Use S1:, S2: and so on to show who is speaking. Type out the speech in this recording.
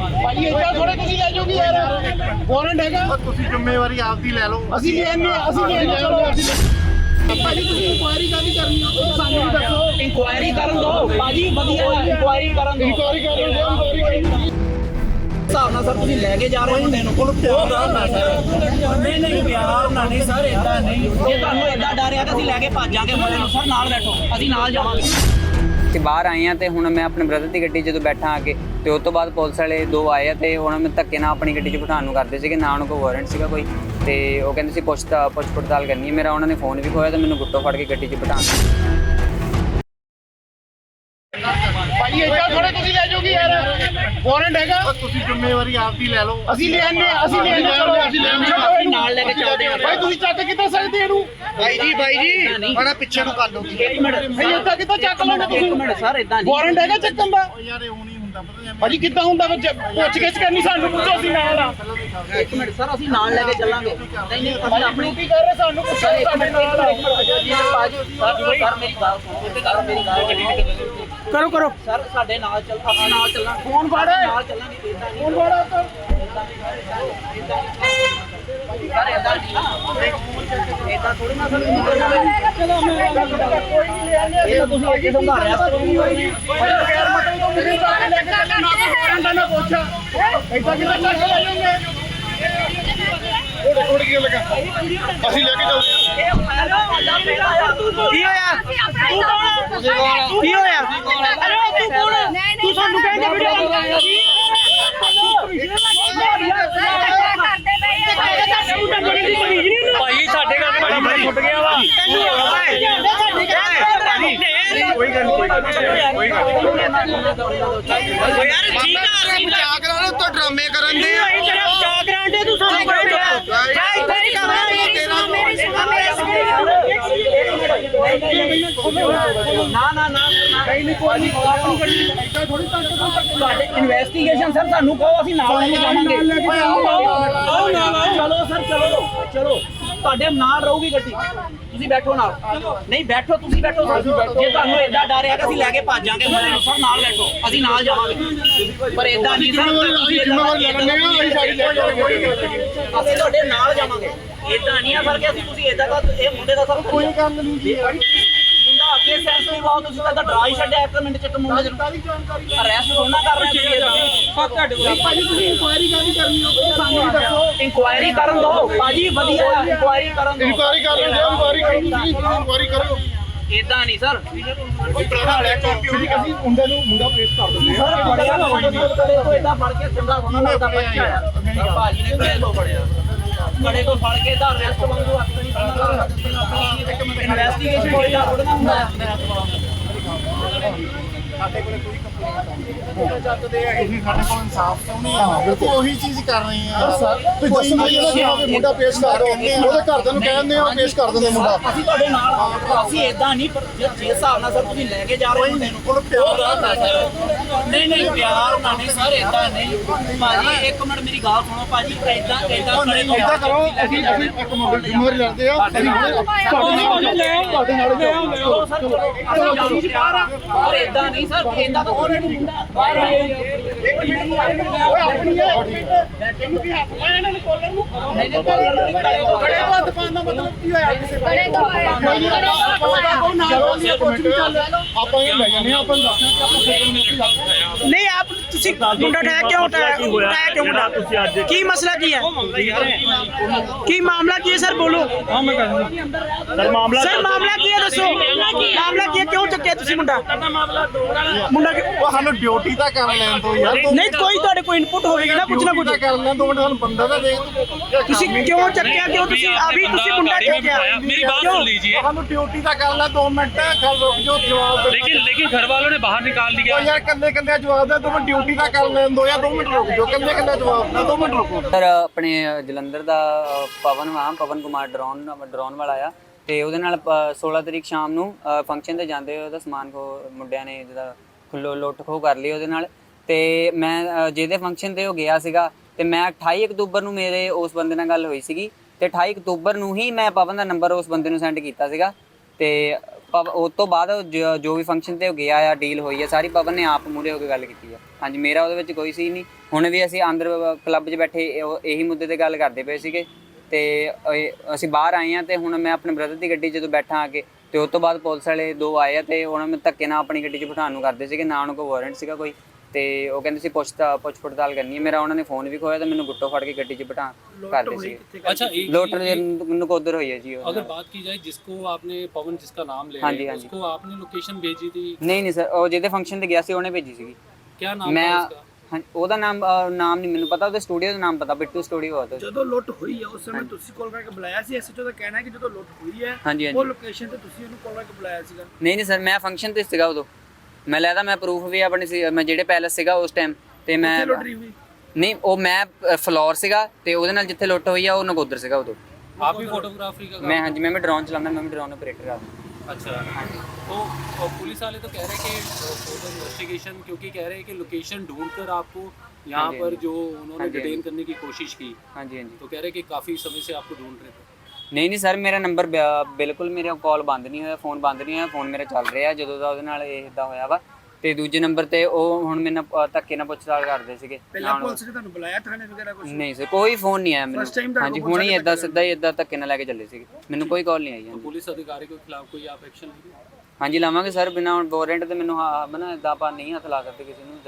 S1: ਭਾਜੀ ਇੱਦਾਂ ਥੋੜੇ ਤੁਸੀਂ ਲੈ ਜਾਓਗੇ ਯਾਰ, ਵਾਰੰਟ ਹੈਗਾ।
S2: ਤੁਸੀਂ ਜ਼ਿੰਮੇਵਾਰੀ ਆਪਦੀ ਲੈ ਲਓ।
S1: ਅਸੀਂ ਲੈਣੇ ਚਲੋ ਭਾਜੀ ਤੁਸੀਂ ਇਨਕੁਆਇਰੀ ਕਾਹਦੀ ਕਰਨੀ ਹੋ ਸਾਨੂੰ ਵੀ ਦੱਸੋ।
S3: ਇਨਕੁਆਇਰੀ ਕਰਨ ਦੋ ਭਾਜੀ, ਵਧੀਆ ਇਨਕੁਆਇਰੀ ਕਰਨ ਦੋ।
S1: ਇਨਕੁਆਇਰੀ ਕਰ
S3: ਹਿਸਾਬ ਨਾਲ ਸਰ ਤੁਸੀਂ ਲੈ ਕੇ ਜਾ ਰਹੇ ਹੋ ਮੁੰਡੇ ਨੂੰ, ਕੋਲ ਪਿਆਰ ਨਾਲ ਸਰ। ਨਹੀਂ ਪਿਆਰ ਨਾਲ ਨਹੀਂ ਸਰ, ਇਦਾਂ ਨਹੀਂ। ਜੇ ਤੁਹਾਨੂੰ ਇਦਾਂ ਡਰ ਆ ਤਾਂ ਅਸੀਂ ਲੈ ਕੇ ਭੱਜ ਜਾਾਂਗੇ ਮੁੰਡੇ ਨੂੰ। ਸਰ ਨਾਲ ਬੈਠੋ, ਅਸੀਂ ਨਾਲ ਜਾਵਾਂਗੇ।
S4: ਤੇ ਬਾਹਰ ਆਏ ਆ ਤੇ ਹੁਣ ਮੈਂ ਆਪਣੇ ਬ੍ਰਦਰ ਦੀ ਗੱਡੀ ਜਦੋਂ ਬੈਠਾ ਆ ਕੇ ਤੇ ਉਸ ਤੋਂ ਬਾਅਦ ਪੁਲਿਸ ਵਾਲੇ ਦੋ ਆਏ ਆ ਤੇ ਉਹਨਾਂ ਨੂੰ ਧੱਕੇ ਨਾਲ ਆਪਣੀ ਗੱਡੀ 'ਚ ਬਿਠਾਉਣ ਨੂੰ ਕਰਦੇ ਸੀਗੇ, ਨਾ ਉਹਨਾਂ ਕੋਲ ਵਾਰੰਟ ਸੀਗਾ ਕੋਈ। ਤੇ ਉਹ ਕਹਿੰਦੇ ਸੀ ਪੁੱਛ ਪੜਤਾਲ ਕਰਨੀ ਹੈ। ਮੇਰਾ ਉਹਨਾਂ ਨੇ ਫੋਨ ਵੀ ਖੋਇਆ ਤੇ ਮੈਨੂੰ ਗੁੱਟੋ ਫੜ ਕੇ ਗੱਡੀ 'ਚ ਬਿਠਾਉਣ।
S1: ਭਾਜੀ ਇੱਦਾਂ ਥੋੜੇ ਤੁਸੀਂ ਲੈ ਜਾਓਗੇ ਯਾਰ, ਵਾਰੰਟ ਹੈਗਾ।
S2: ਤੁਸੀਂ ਜ਼ਿੰਮੇਵਾਰੀ ਆਪਦੀ ਲੈ ਲਓ।
S1: ਅਸੀਂ ਲੈਣੇ ਚਲੋ
S3: ਅਸੀਂ ਨਾਲ ਲੈ ਕੇ ਚੱਲਦੇ ਹਾਂ।
S1: ਭਾਈ ਤੁਸੀਂ ਚੱਕ ਕਿੱਦਾਂ ਸਕਦੇ ਇਹਨੂੰ?
S2: ਬਾਈ ਜੀ ਬੜਾ ਪਿੱਛੇ ਨੂੰ ਕਰ ਲਓ।
S3: ਇੱਕ ਮਿੰਟ
S1: ਭਾਈ ਇੱਦਾਂ ਕਿੱਦਾਂ ਚੱਕ ਲੋਗੇ ਤੁਸੀਂ?
S3: ਇੱਕ ਮਿੰਟ ਸਰ, ਇਦਾਂ ਨਹੀਂ।
S1: ਵਾਰੰਟ ਹੈਗਾ ਚੱਕਣ ਦਾ?
S2: ਯਾਰ ਇਹ ਹੁਣ ਹੀ ਹੁੰਦਾ ਪਤਾ ਨਹੀਂ।
S1: ਭਾਜੀ ਕਿੱਦਾਂ ਹੁੰਦਾ ਪੁੱਛ ਗਿੱਛ ਕਰਨੀ, ਸਾਨੂੰ ਪੁੱਛੋ ਅਸੀਂ ਨਾਲ ਆ।
S3: ਇੱਕ ਮਿੰਟ ਸਰ, ਅਸੀਂ ਨਾਲ ਲੈ ਕੇ ਚੱਲਾਂਗੇ। ਨਹੀਂ ਅਸੀਂ ਆਪਣੀ
S1: ਡਿਊਟੀ ਕਰ ਰਹੇ, ਸਾਨੂੰ ਪੁੱਛੋ ਸਾਡੇ ਨਾਲ ਆ।
S3: ਸਰ ਮੇਰੀ ਗੱਲ ਸੁਣੋ,
S1: ਕਰੋ
S3: ਸਰ ਸਾਡੇ ਨਾਲ ਚੱਲ, ਆਪਾਂ ਨਾਲ ਚੱਲਾਂਗੇ।
S1: ਫੋਨ ਫੜ,
S3: ਨਾਲ ਚੱਲਾਂਗੇ। ਇਦਾਂ ਨਹੀਂ
S1: ਫੋਨ ਫੜ ਉੱਧਰ।
S3: ਸਰ, ਇਦਾਂ ਨਹੀਂ ਨਾ, ਇਦਾਂ ਥੋੜੀ ਨਾ ਸਰ। ਇਹ ਤਾਂ ਤੁਸੀਂ ਅੱਗੇ ਸਮਝਾਇਆ
S1: ਬਗੈਰ ਮਤਲਬ ਤੋਂ ਕਿਸੇ ਦਾ ਲੈ ਕੇ ਚੱਲੇ ਨਾ, ਵਾਰੰਟ ਨਾ ਪੁੱਛ। ਇੱਦਾਂ ਕਿੱਦਾਂ ਚੱਕ ਲੈ ਜਾਓਗੇ? ਥੋੜੀ ਕੀ ਲੱਗਾ, ਅਸੀਂ ਲੈ ਕੇ ਚੱਲਦੇ ਹਾਂ।
S3: ਕੀ ਹੋਇਆ? ਕੀ ਹੋਇਆ? ਅਰੇ ਤੂੰ ਕੌਣ? ਤੂੰ ਸਾਨੂੰ ਕਹਿੰਦੇ ਵੀਡੀਓ
S5: ਭਾਈ ਸਾਡੇ ਘਰ ਬੜਾ ਬੜਾ ਛੁੱਟ ਗਿਆ ਵਾ। ਕੋਈ ਗੱਲ ਨਹੀਂ
S3: ਯਾਰ ਠੀਕ ਆ, ਅਸੀਂ
S2: ਬਚਾ ਕਰਾ ਲਓ ਤਾਂ ਡਰਾਮੇ ਕਰਨ ਦੇ ਆ।
S3: ਬਚਾ ਕਰਾਂਗੇ, ਤੂੰ ਸਾਨੂੰ ਕਹਿੰਦੇ ਤੁਹਾਡੇ ਇਨਵੈਸਟੀਗੇਸ਼ਨ ਸਰ ਸਾਨੂੰ ਕਹੋ, ਅਸੀਂ ਨਾਲ ਲੈ ਕੇ ਜਾਵਾਂਗੇ। ਚਲੋ ਸਰ, ਚਲੋ ਤੁਹਾਡੇ ਨਾਲ ਰਹੂਗੀ ਗੱਡੀ, ਤੁਸੀਂ ਬੈਠੋ ਨਾਲ। ਨਹੀਂ ਬੈਠੋ, ਤੁਸੀਂ ਬੈਠੋ ਸਰ। ਜੇ ਤੁਹਾਨੂੰ ਏਦਾਂ ਡਰ ਆ ਕਿ ਅਸੀਂ ਲੈ ਕੇ ਭੱਜ ਜਾਾਂਗੇ ਮੁੰਡੇ ਨੂੰ, ਸਰ ਨਾਲ ਬੈਠੋ, ਅਸੀਂ ਨਾਲ ਜਾਵਾਂਗੇ। ਪਰ ਏਦਾਂ ਨਹੀਂ ਸਰ, ਅਸੀਂ ਤੁਹਾਡੇ ਨਾਲ ਜਾਵਾਂਗੇ। ਏਦਾਂ ਨਹੀਂ ਆ ਸਰ ਕਿ ਅਸੀਂ ਤੁਸੀਂ ਏਦਾਂ ਦਾ ਇਹ ਮੁੰਡੇ ਦਾ ਸਰ ਕੋਈ ਕੰਮ ਨਹੀਂ। ਮੁੰਡਾ ਅੱਗੇ ਸੈਂਸਿਟਿਵ ਆਉ, ਤੁਸੀਂ ਤਾਂ ਡਰਾ ਹੀ ਛੱਡਿਆ 1 ਮਿੰਟ ਚ ਇੱਕ ਮੁੰਡੇ ਨੂੰ। ਅਰੈਸਟ ਹੋਣਾ ਕਰ ਰਹੇ ਹੋ।
S1: ਭਾਜੀ ਤੁਸੀਂ ਇਨਕੁਆਇਰੀ ਕਾਹਦੀ ਕਰਨੀ ਹੋ ਸਾਨੂੰ ਵੀ ਦੱਸੋ।
S3: ਇਨਕੁਆਇਰੀ ਕਰਨ ਦੋ ਭਾਜੀ, ਵਧੀਆ ਇਨਕੁਆਇਰੀ ਕਰਨ ਦੋ।
S1: ਇਨਕੁਆਇਰੀ ਕਰ ਰਹੇ ਹੋ, ਇਨਕੁਆਇਰੀ ਕਰੋ ਤੁਸੀਂ, ਇਨਕੁਆਇਰੀ ਕਰੋ।
S3: ਏਦਾਂ ਨਹੀਂ ਸਰ।
S1: ਕੋਈ ਪੁਰਾਣਾ ਲੈ ਕੇ ਅਸੀਂ ਮੁੰਡੇ ਨੂੰ ਮੁੰਡਾ ਪੇਸ਼ ਕਰ ਦਿੰਦੇ ਹਾਂ।
S3: ਸਰ ਬੜਿਆ ਤੋਂ ਏਦਾਂ ਫੜ ਕੇ ਚੰਗਾ ਹੋਣਾ ਦਾ ਬੱਚਾ ਆ। ਭਾਜੀ ਨੇ ਕਿਹੜੇ ਤੋਂ ਫੜਿਆ? ਬੜੇ ਤੋਂ ਫੜ ਕੇ ਤਾਂ ਅਰੈਸਟ ਵਾਂਗੂ ਹੱਥ ਨਹੀਂ ਪਾਉਣਾ। ਇਨਵੈਸਟੀਗੇਸ਼ਨ ਕੋਈ ਨਾ ਥੋੜਾ ਹੁੰਦਾ ਹੈ।
S2: ਸਾਡੇ ਕੋਲ ਕੋਈ ਕੰਪਲੇਂਟ ਚੱਕਦੇ ਆ, ਤੁਸੀਂ ਸਾਡੇ ਕੋਲ ਇਨਸਾਫ ਚਾਹੁੰਦੇ ਆ। ਬਿਲਕੁਲ ਉਹੀ ਚੀਜ਼ ਕਰ ਰਹੇ ਆ।
S1: ਤੁਸੀਂ ਦੱਸਣਾ ਜਿਹੜਾ ਮੁੰਡਾ ਪੇਸ਼ ਕਰ ਦੋ, ਉਹਦੇ ਘਰਦਿਆਂ ਨੂੰ ਕਹਿੰਦੇ ਆ ਪੇਸ਼ ਕਰ ਦਿੰਦੇ ਮੁੰਡਾ।
S3: ਅਸੀਂ ਤੁਹਾਡੇ ਨਾਲ, ਅਸੀਂ ਏਦਾਂ ਨਹੀਂ। ਜੇ ਹਿਸਾਬ ਨਾਲ ਸਰ ਤੁਸੀਂ ਲੈ ਕੇ ਜਾ ਰਹੇ ਹੋ ਮੁੰਡੇ ਨੂੰ,
S2: ਕੋਲ ਪਿਆਰ ਨਾਲ ਸਰ।
S3: ਨਹੀਂ ਪਿਆਰ ਨਾਲ ਨਹੀਂ ਸਰ, ਏਦਾਂ ਨਹੀਂ। ਭਾਜੀ ਇੱਕ ਮਿੰਟ ਮੇਰੀ ਗੱਲ ਸੁਣੋ ਭਾਜੀ, ਏਦਾਂ
S1: ਏਦਾਂ ਕਰੋ, ਅਸੀਂ ਇੱਕ ਮੁੰਡੇ ਜ਼ਿੰਮੇਵਾਰੀ ਲੈਂਦੇ ਆ। ਅਸੀਂ ਤੁਹਾਡੇ ਨਾਲ
S3: ਚਲੋ ਸਰ, ਚਲੋ ਏਦਾਂ ਨਹੀਂ ਸਰ, ਏਦਾਂ ਤਾਂ ਉਹਨੇ ਮੁੰਡਾ ਬਾਹਰ ਆਇਆ।
S1: ਆਪਣੀ ਤੈਨੂੰ ਕੀ ਹੱਥ ਪਾਇਆ ਇਹਨਾਂ ਨੇ ਕੋਲਰ ਨੂੰ? ਬੜੇ ਤੋਂ ਹੱਥ ਪਾਉਣ ਦਾ ਮਤਲਬ ਕੀ ਹੋਇਆ? ਕਿਸੇ ਬੜੇ ਤੋਂ ਆਪਾਂ ਇਹ ਲੈ ਜਾਂਦੇ ਆ, ਆਪਾਂ
S6: नहीं आप मुंडा उठाया क्यों उठाया मुंडा की मसला की है की मामला की है सर बोलो
S5: ਮਾਮਲਾ
S6: सर मामला की है दसो मामला की है क्यों चुके तुसी मुंडा मुंडा
S2: ਉਹ ਸਾਨੂੰ ਡਿਊਟੀ ਤਾਂ ਕਰ ਲੈਣ ਤੋਂ ਯਾਰ।
S6: नहीं कोई ਤੁਹਾਡੇ कोई इनपुट होगी ना कुछ ना कुछ
S2: ਕਰ ਲੈਣ 2 ਮਿੰਟ ਸਾਨੂੰ ਬੰਦਾ ਤਾਂ ਦੇਖ।
S6: तुसी क्यों चक्या क्यों तुसी अभी तुसी मुंडा चक्या
S5: मेरी बात सुन लीजिए।
S2: ਸਾਨੂੰ ਡਿਊਟੀ ਤਾਂ ਕਰ ਲੈ 2 ਮਿੰਟ। ਖਲ ਰੁਕ ਜਾਓ, ਜਵਾਬ ਦੇ।
S5: लेकिन घर वालों ने बाहर निकाल दिया।
S2: ਉਹ ਯਾਰ ਕੱਲੇ ਜਵਾਬ ਦੇ। 2 ਮਿੰਟ ਡਿਊਟੀ ਤਾਂ ਕਰ ਲੈਣ ਦੋ ਯਾਰ। 2 ਮਿੰਟ ਰੁਕ ਜਾਓ, ਕੱਲੇ ਜਵਾਬ ਦਾ 2 ਮਿੰਟ ਰੁਕੋ।
S4: ਸਰ ਆਪਣੇ ਜਲੰਧਰ ਦਾ ਪਵਨ ਕੁਮਾਰ ਡਰੋਨ ਵਾਲਾ ਆ ਤੇ ਉਹਦੇ ਨਾਲ 16 ਤਰੀਕ ਸ਼ਾਮ ਨੂੰ ਫੰਕਸ਼ਨ ਤੇ ਜਾਂਦੇ ਹੋਏ ਉਹਦਾ ਸਮਾਨ ਮੁੰਡਿਆਂ ਨੇ ਜਿਹਦਾ ਲੁੱਟ ਖੋਹ ਕਰ ਲਈ ਉਹਦੇ ਨਾਲ। ਤੇ ਮੈਂ ਜਿਹਦੇ ਫੰਕਸ਼ਨ ਤੇ ਉਹ ਗਿਆ ਸੀਗਾ ਤੇ ਮੈਂ 28 ਅਕਤੂਬਰ ਨੂੰ ਮੇਰੇ ਉਸ ਬੰਦੇ ਨਾਲ ਗੱਲ ਹੋਈ ਸੀਗੀ ਤੇ 28 ਅਕਤੂਬਰ ਨੂੰ ਹੀ ਮੈਂ ਪਵਨ ਦਾ ਨੰਬਰ ਉਸ ਬੰਦੇ ਨੂੰ ਸੈਂਡ ਕੀਤਾ ਸੀਗਾ। ਤੇ ਉਸ ਤੋਂ ਬਾਅਦ ਜੋ ਵੀ ਫੰਕਸ਼ਨ ਤੇ ਉਹ ਗਿਆ ਆ, ਡੀਲ ਹੋਈ ਆ ਸਾਰੀ ਪਵਨ ਨੇ ਆਪ ਮੂਹਰੇ ਹੋ ਕੇ ਗੱਲ ਕੀਤੀ ਆ। ਹਾਂਜੀ, ਮੇਰਾ ਉਹਦੇ ਵਿੱਚ ਕੋਈ ਸੀ ਨਹੀਂ। ਹੁਣ ਵੀ ਅਸੀਂ ਅੰਦਰ ਕਲੱਬ 'ਚ ਬੈਠੇ ਇਹੀ ਮੁੱਦੇ ਤੇ ਗੱਲ ਕਰਦੇ ਪਏ ਸੀਗੇ ਤੇ ਅਸੀਂ ਬਾਹਰ ਆਏ ਆ ਤੇ ਹੁਣ ਮੈਂ ਆਪਣੇ ਬ੍ਰਦਰ ਦੀ ਗੱਡੀ ਜਦੋਂ ਬੈਠਾ ਆ ਕੇ ਤੇ ਉਸ ਤੋਂ ਬਾਅਦ ਪੁਲਿਸ ਵਾਲੇ 2 ਆਏ ਆ ਤੇ ਉਹਨਾਂ ਨੂੰ ਧੱਕੇ ਨਾਲ ਆਪਣੀ ਗੱਡੀ 'ਚ ਬਿਠਾਉਣ ਨੂੰ ਕਰਦੇ ਸੀਗੇ, ਨਾ ਉਹਨਾਂ ਕੋਲ ਵਾਰੰਟ ਸੀਗਾ ਕੋਈ, ਤੇ ਉਹ ਕਹਿੰਦੇ ਸੀ ਪੁੱਛ ਪੜਤਾਲ ਕਰਨੀ ਹੈ। ਮੇਰਾ ਉਹਨਾਂ ਨੇ ਫੋਨ ਵੀ ਖੋਇਆ ਤੇ ਮੈਨੂੰ ਗੁੱਟੋ ਫੜ ਕੇ ਗੱਡੀ 'ਚ ਬਿਠਾ ਕਰਦੇ ਸੀ।
S5: अच्छा एक
S4: ਲੋਟਰ ਨਕੋਦਰ ਹੋਈ ਹੈ ਜੀ ਉਹ।
S5: अगर बात की जाए जिसको आपने पवन जिसका नाम ले
S4: हाँ
S5: रहे
S4: जी,
S5: हैं,
S4: हाँ जी।
S5: उसको आपने लोकेशन भेजी थी,
S4: ਨਹੀਂ ਸਰ, ਉਹ ਜਿਹਦੇ ਫੰਕਸ਼ਨ ਤੇ ਗਿਆ ਸੀ ਉਹਨੇ ਭੇਜੀ ਸੀਗੀ।
S5: क्या नाम
S4: ਮੈਂ
S5: था उसका?
S4: ਹਾਂ, ਉਹਦਾ ਨਾਮ ਨਹੀਂ ਮੈਨੂੰ ਪਤਾ, ਉਹਦੇ ਸਟੂਡੀਓ ਦਾ ਨਾਮ ਪਤਾ, ਬਿੱਟੂ ਸਟੂਡੀਓ ਆ ਉਹਦਾ।
S6: ਜਦੋਂ ਲੁੱਟ ਹੋਈ ਹੈ ਉਸ ਸਮੇਂ ਤੁਸੀਂ ਕਾਲ ਕਰਕੇ ਬੁਲਾਇਆ ਸੀ? ਐਸਐਚਓ ਦਾ ਕਹਿਣਾ ਹੈ ਕਿ ਜਦੋਂ ਲੁੱਟ ਹੋਈ ਹੈ
S4: ਹਾਂਜੀ
S6: ਉਹ
S4: ਹਾਂਜੀ।
S6: ਲੋਕੇਸ਼ਨ ਤੇ ਤੁਸੀਂ ਉਹਨੂੰ ਕਾਲ ਕਰਕੇ ਬੁਲਾਇਆ ਸੀਗਾ।
S4: ਨਹੀਂ ਸਰ, ਮੈਂ ਫੰਕਸ਼ਨ ਤੇ ਸੀਗਾ ਉਦੋਂ। ਮੈਂ ਲੈਦਾ ਮੈਂ ਪ੍ਰੂਫ ਵੀ ਆਪਣੀ ਸੀ, ਮੈਂ ਜਿਹੜੇ ਪੈਲਸ ਸੀਗਾ ਉਸ ਟਾਈਮ ਤੇ ਮੈਂ
S6: ਕਿੱਥੇ ਲੁੱਟ ਹੋਈ?
S4: ਨਹੀਂ, ਉਹ ਮੈਂ ਫਲੋਰ ਸੀਗਾ ਤੇ ਉਹਦੇ ਨਾਲ ਜਿੱਥੇ ਲੁੱਟ ਹੋਈ ਆ ਉਹ ਨਕੋਦਰ ਸੀਗਾ ਉਦੋਂ।
S5: आप भी फोटोग्राफी का
S4: ਮੈਂ ਹਾਂਜੀ, ਮੈਂ ਡਰੋਨ ਚਲਾਉਂਦਾ, ਮੈਂ ਡਰੋਨ ਆਪਰੇਟਰ ਆ।
S5: अच्छा, तो पुलिस वाले तो कह रहे हैं कि फोटो इन्वेस्टिगेशन, क्योंकि कह रहे हैं कि लोकेशन ढूंढकर आपको यहाँ
S4: हाँ जी,
S5: पर
S4: हाँ जी।
S5: जो उन्होंने
S4: हाँ जी, हाँ
S5: डिटेन
S4: जी।
S5: करने की कोशिश की,
S4: ਹਾਂਜੀ ਹਾਂਜੀ।
S5: तो कह रहे हैं कि काफ़ी समय से आपको ढूंढ रहे थे।
S4: ਨਹੀਂ ਸਰ, ਮੇਰਾ ਨੰਬਰ ਬਿਲਕੁਲ, ਮੇਰਾ ਕਾਲ ਬੰਦ ਨਹੀਂ ਹੋਇਆ, ਫੋਨ ਬੰਦ ਨਹੀਂ ਹੋਇਆ, ਫੋਨ ਮੇਰਾ ਚੱਲ ਰਿਹਾ ਜਦੋਂ ਦਾ ਉਹਦੇ ਨਾਲ ਇਹ ਇਦਾਂ ਹੋਇਆ ਵਾ। ਤੇ ਦੂਜੇ ਨੰਬਰ ਤੇ ਉਹ ਹੁਣ ਮੇਰੇ ਨਾਲ ਧੱਕੇ ਨਾਲ ਪੁੱਛਤਾਲ ਕਰਦੇ ਸੀਗੇ।
S6: ਪਹਿਲਾਂ ਪੁਲਿਸ ਨੇ ਤੁਹਾਨੂੰ ਬੁਲਾਇਆ ਥਾਣੇ ਵਗੈਰਾ ਕੁਝ?
S4: ਨਹੀਂ ਸਰ, ਕੋਈ ਫੋਨ ਨਹੀਂ ਆਇਆ
S6: First time
S4: ਮੈਨੂੰ।
S6: ਤੁਹਾਡੇ
S4: ਹਾਂਜੀ,
S6: ਕੋਲ
S4: ਹੁਣ ਹੀ
S6: ਸਾਡੇ
S4: ਇਦਾਂ
S6: ਤੱਕ
S4: ਸਿੱਧਾ ਹੀ ਇਦਾਂ ਧੱਕੇ ਨਾਲ ਲੈ ਕੇ ਚੱਲੇ ਸੀਗੇ, ਮੈਨੂੰ ਕੋਈ ਕਾਲ ਨਹੀਂ ਆਈ।
S5: तो
S4: ਹਾਂਜੀ
S5: पुलिस अधिकारी के खिलाफ कोई आप एक्शन लेंगे?
S4: ਹਾਂਜੀ ਲਾਵਾਂਗੇ ਸਰ, ਬਿਨਾਂ ਵਾਰੰਟ ਤੇ ਮੈਨੂੰ ਹਾਂ ਬਣਾ ਇਦਾਂ ਆਪਾਂ ਨਹੀਂ ਹੱਥ ਲਾ ਸਕਦੇ ਕਿਸੇ ਨੂੰ।